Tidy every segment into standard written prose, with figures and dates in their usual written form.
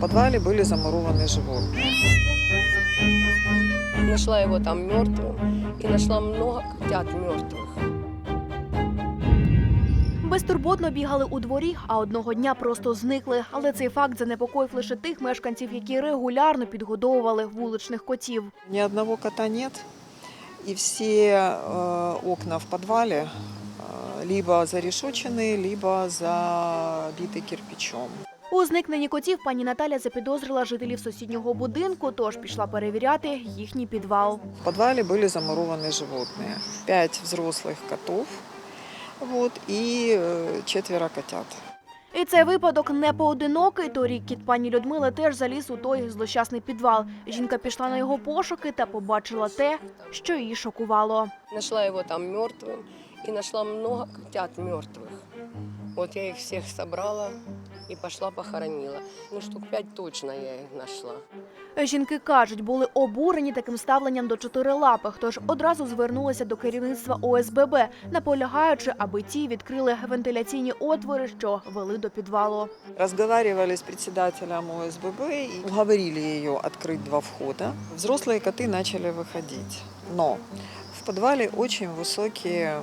подвале были замурованы животные. Нашла его там мертвым и нашла много котят мертвых. Безтурботно бігали у дворі, а одного дня просто зникли. Але цей факт занепокоїв лише тих мешканців, які регулярно підгодовували вуличних котів. Ни одного кота нет, и все окна в подвале либо зарешочены, либо забиты кирпичом. У зникненні котів пані Наталя запідозрила жителів сусіднього будинку, тож пішла перевіряти їхній підвал. В подвале были замурованы животные. 5 взрослых котов и 4 котят. І цей випадок не поодинокий. Торік кіт пані Людмили теж заліз у той злощасний підвал. Жінка пішла на його пошуки та побачила те, що її шокувало. Нашла его там мертвым и нашла много котят мертвых. Вот я их всех собрала и пошла похоронила. Ну, штук 5 точно я их нашла. Жінки кажуть, були обурені таким ставленням до чотирилапих, тож одразу звернулися до керівництва ОСББ, наполягаючи, аби ті відкрили вентиляційні отвори, що вели до підвалу. Разговаривали с председателем ОСББ и уговорили ее открыть 2 входа. Взрослые коты начали выходить, но в подвале очень высокие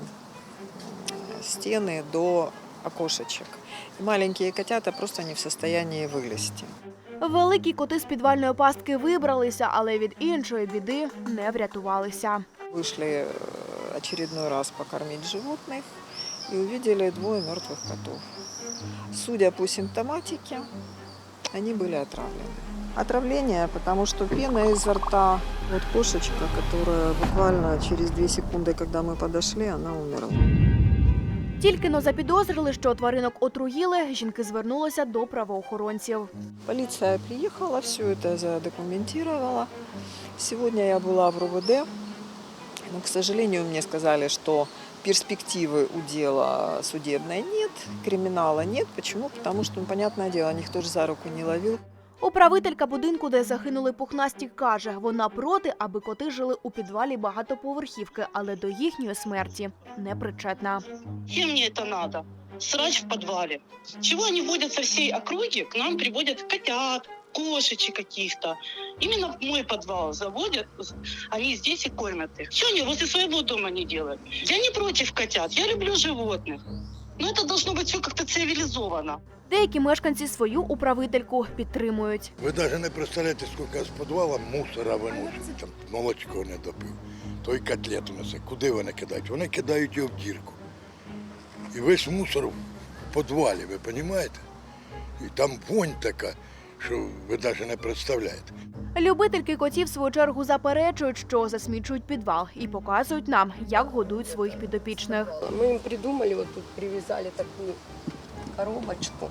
стены до окошечек. И маленькие котята просто не в состоянии вылезти. Великі коти з підвальної пастки вибралися, але від іншої біди не врятувалися. Вышли очередной раз покормить животных и увидели 2 мертвых котов. Судя по симптоматике, они были отравлены. Отравление, потому что пена изо рта. Вот кошечка, которая буквально через 2 секунды, когда мы подошли, она умерла. Тільки-но запідозрили, що тваринок отруїли, жінки звернулися до правоохоронців. Полиция приехала, все это задокументировала. Сегодня я была в РОВД, но, к сожалению, мне сказали, что перспективы у дела судебной нет, криминала нет. Почему? Потому что, понятное дело, никто же за руку не ловил. Управителька будинку, де загинули пухнасті, каже, вона проти, аби коти жили у підвалі багатоповерхівки, але до їхньої смерті не причетна. Чем мне это надо? Срач в подвале. Чего они водят со всей округи? К нам приводят котят, кошечек каких-то. Именно в мой подвал заводят, они здесь и кормят их. Что они возле своего дома не делают? Я не против котят, я люблю животных. Но это должно быть все как-то цивилизовано. Деякі мешканці свою управительку підтримують. Ви навіть не представляєте, скільки з підвалу мусора виносять, там молочко не допив, той котлету несе. Куди вони кидають? Вони кидають його в дірку. І весь мусор в підвалі, ви розумієте? І там вонь така, що ви навіть не представляєте. Любительки котів, в свою чергу, заперечують, що засмічують підвал і показують нам, як годують своїх підопічних. Мы им придумали, вот тут привязали такую коробочку,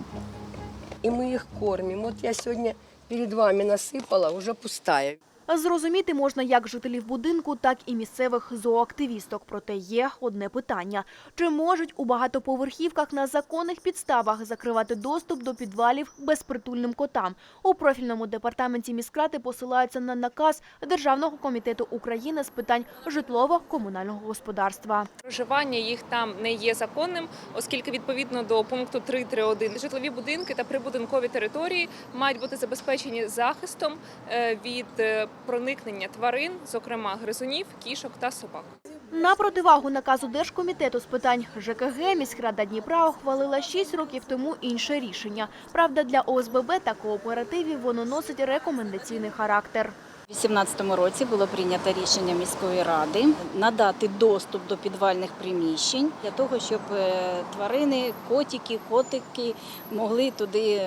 и мы их кормим. Вот я сегодня перед вами насыпала, уже пустая. Зрозуміти можна як жителів будинку, так і місцевих зооактивісток. Проте є одне питання. Чи можуть у багатоповерхівках на законних підставах закривати доступ до підвалів безпритульним котам? У профільному департаменті міськради посилаються на наказ Державного комітету України з питань житлово-комунального господарства. Проживання їх там не є законним, оскільки відповідно до пункту 3.3.1 житлові будинки та прибудинкові території мають бути забезпечені захистом від проникнення тварин, зокрема гризунів, кішок та собак. На противагу наказу Держкомітету з питань ЖКГ міськрада Дніпра ухвалила 6 років тому інше рішення. Правда, для ОСББ та кооперативів воно носить рекомендаційний характер. У 2018 році було прийнято рішення міської ради надати доступ до підвальних приміщень для того, щоб тварини, котики могли туди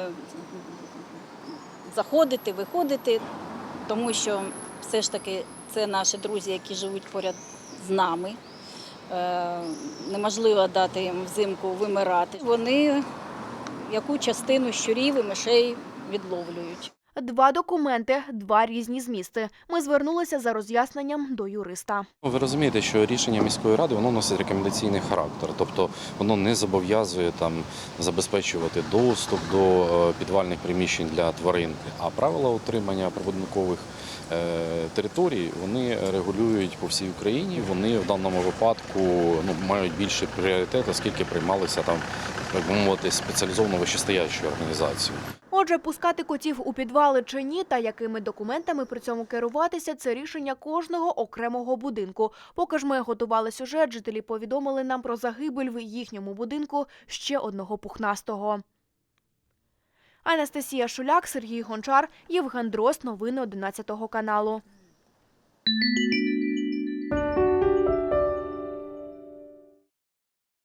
заходити, виходити, тому що все ж таки це наші друзі, які живуть поряд з нами. Неможливо дати їм взимку вимирати. Вони яку частину щурів і мишей відловлюють. 2 документи, 2 різні змісти. Ми звернулися за роз'ясненням до юриста. Ви розумієте, що рішення міської ради воно носить рекомендаційний характер, тобто воно не зобов'язує забезпечувати доступ до підвальних приміщень для тварин, а правила утримання прибудинкових територій вони регулюють по всій Україні. Вони в даному випадку мають більший пріоритет, оскільки приймалися так би мовити, спеціалізовано вищестоячою організацією. Отже, пускати котів у підвали чи ні та якими документами при цьому керуватися – це рішення кожного окремого будинку. Поки ж ми готували сюжет, жителі повідомили нам про загибель в їхньому будинку ще одного пухнастого. Анастасія Шуляк, Сергій Гончар, Євген Дрозд. Новини 11 каналу.